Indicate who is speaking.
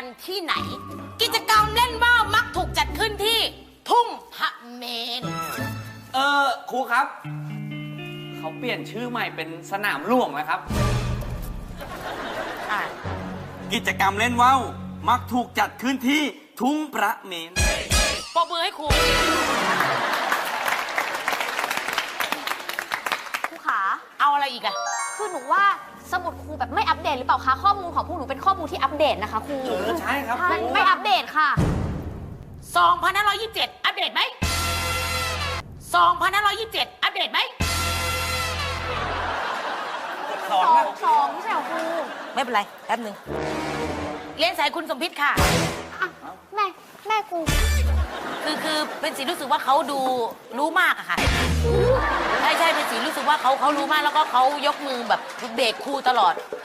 Speaker 1: กันที่ไหน กิจกรรมเล่นว่าวมักถูกจัดขึ้นที่ทุ่งพระเมรุ
Speaker 2: ครูครับ เขาเปลี่ยนชื่อใหม่เป็นสนามหลวงแล้วครับ
Speaker 3: กิจกรรมเล่นว่าวมักถูกจัดขึ้นที่ทุ่งพระเมรุ
Speaker 1: ปรบมือให้ครู
Speaker 4: ครูขา
Speaker 1: เอาอะไรอีกอะ
Speaker 4: คือหนูว่าสมุดครูแบบไม่อัปเดตหรือเปล่าคะข้อมูลของพวกหนูเป็นข้อมูลที่อัปเดตนะคะครู
Speaker 2: ใช่ครับ
Speaker 4: ไม่อัปเดตค่ะ
Speaker 1: 2527 อัปเดตไหม 2527 อัปเดตไหม
Speaker 4: สองไม่ใช่เหรอครู
Speaker 1: ไม่เป็นไร แป๊บหนึ่งเรียนสายคุณสมพิษค่ะ
Speaker 4: อ่ะแม่ครู
Speaker 1: คือเป็นสีรู้สึกว่าเขาดูรู้มากอะค่ะ ใช่เป็นสีรู้สึกว่าเขารู้มากแล้วก็เขายกมือแบบเบรกครูตลอด